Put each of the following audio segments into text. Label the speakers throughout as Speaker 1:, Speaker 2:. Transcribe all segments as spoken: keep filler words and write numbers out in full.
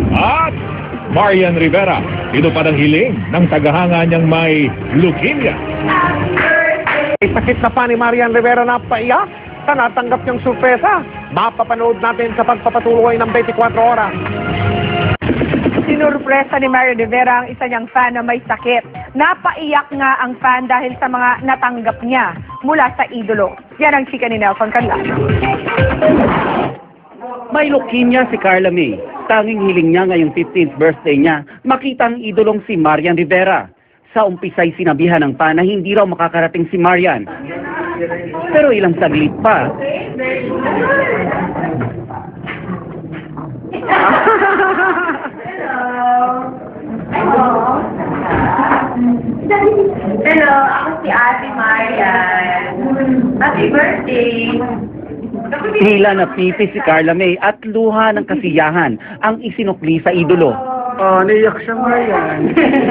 Speaker 1: At Marian Rivera, ito pa ng hiling ng tagahanga niyang may leukemia.
Speaker 2: May sakit na pa ni Marian Rivera na paiyak sa natanggap niyang sorpresa. Mapapanood natin sa pagpapatuloy ng twenty-four oras.
Speaker 3: Sinurpresa ni Marian Rivera ang isa niyang fan na may sakit. Napaiyak nga ang fan dahil sa mga natanggap niya mula sa idolo. Yan ang chika ni Nelson Canlas.
Speaker 4: May leukemia si Carla May. Tanging hiling niya ngayong fifteenth birthday niya, makita ang idolong si Marian Rivera. Sa umpisa'y sinabihan ng fan na hindi raw makakarating si Marian. Pero ilang saglit pa,
Speaker 5: Hello, ako si Ate Marian. Happy birthday!
Speaker 4: tila napipi si Carla May at luha ng kasiyahan ang isinukli sa idolo.
Speaker 2: Oh, naiyak siya, Marian.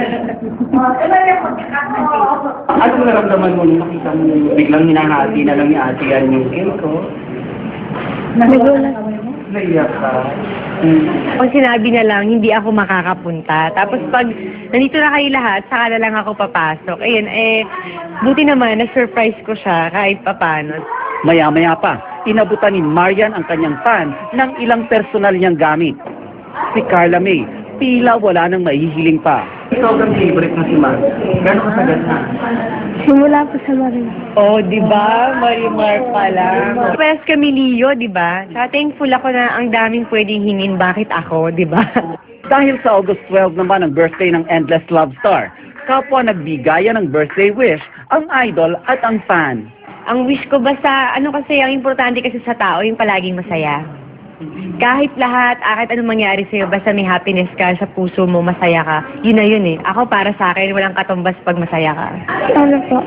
Speaker 6: Anong naramdaman mo nung nakita mo biglang hinahati na lang ni Ate yan yung cake ko?
Speaker 7: Nagulat.
Speaker 6: Naiyak ka?
Speaker 7: Pag sinabi na lang, hindi ako makakapunta. Tapos pag nandito na kayo lahat, saka na lang ako papasok. Ayun, eh, buti naman, na-surprise ko siya kahit papano.
Speaker 4: Maya-maya pa, inabutan ni Marian ang kanyang fan ng ilang personal niyang gamit. Si Carla May, tila wala nang mahihiling pa.
Speaker 6: Ikaw ang favorite mo si Mar. Gano'n ka sagad na?
Speaker 7: Simula po sa Marin.
Speaker 3: Oh, di ba? Marimar pala.
Speaker 7: Pwes kami Leo, di ba? Tsaka thankful ako na ang daming pwedeng hingin. Bakit ako, di ba?
Speaker 4: Dahil sa August twelve naman ang birthday ng Endless Love Star, kapwa nagbigaya ng birthday wish ang idol at ang fan.
Speaker 7: Ang wish ko basta, ano kasi, ang importante kasi sa tao, yung palaging masaya. Kahit lahat, ah, kahit anong mangyari sa'yo, basta may happiness ka sa puso mo, masaya ka. Yun na yun eh. Ako para sa akin, walang katumbas pag masaya ka.
Speaker 8: Ano po?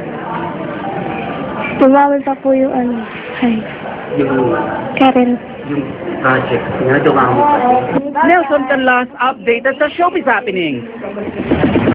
Speaker 8: Tumawal pa po yung ano. Ay,
Speaker 6: Yung,
Speaker 8: Karen.
Speaker 6: yung project niya, dumami pa.
Speaker 4: Nelson Canlas updated sa Showbiz Happenings.